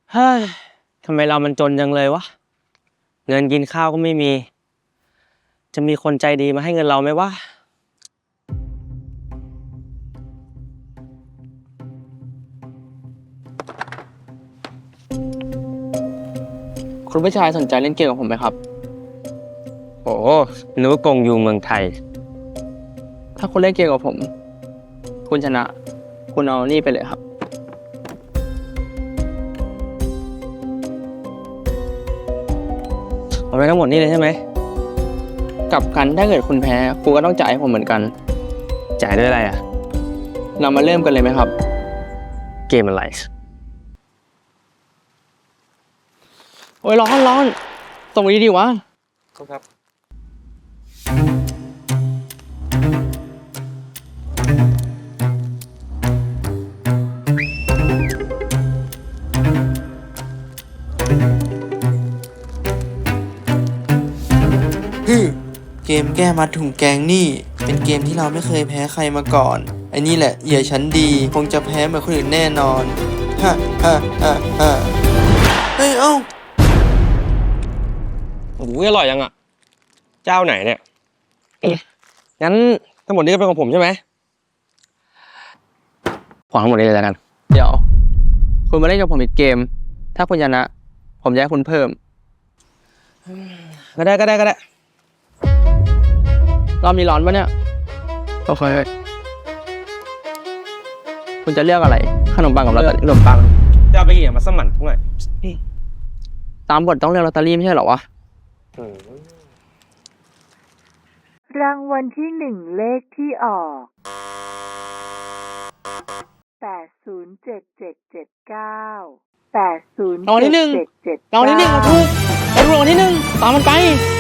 เฮ้ยทำไมเรามันจนจังเลยวะเงินกินข้าวก็ไม่มีจะมีคนใจดีมาให้เงินเราไหมวะคุณผู้ชายสนใจเล่นเกมกับผมไหมครับโอ้นึกว่ากงอยู่เมืองไทยถ้าคุณเล่นเกมกับผม คุณชนะ คุณเอานี่ไปเลยครับเอาไปทั้งหมดนี่เลยใช่ไหมกลับกันถ้าเกิดคุณแพ้คุณก็ต้องจ่ายให้ผมเหมือนกันจ่ายด้วยอะไรอ่ะเรามาเริ่มกันเลยไหมครับเกมอะไรโอ้ยร้อนตรงนี้ดีวะครับเกมแก้มัดถุงแกงนี่ เป็นเกมที่เราไม่เคยแพ้ใครมาก่อนไอ้นี่แหละเหยื่อชั้นดีคงจะแพ้เหมือนคนอื่นแน่นอนฮะเฮ้ยเอ้าโอ้โหอร่อยยังอ่ะ เจ้าไหนเนี่ย งั้นทั้งหมดนี้ก็เป็นของผมใช่ไหมขอทั้งหมดนี้เลยแล้วกันเดี๋ยว คุณมาเล่นกับผมอีกเกม ถ้าคุณชนะ ผมจะให้คุณเพิ่มก็ได้รอบนี้ร้อนปะเนี่ย โอเค คุณจะเลือกอะไร ขนมปังกับลอตเตอรี่ขนมปังจะเอาไปกี่มาสมั่นหน่อยตามบทต้องเลือกลอตเตอรี่ไม่ใช่เหรอวะรางวัลที่หนึ่งเลขที่ออก807779 807779 รางวัลที่หนึ่งถูกไปดูรางวัลที่หนึ่งตามมันไป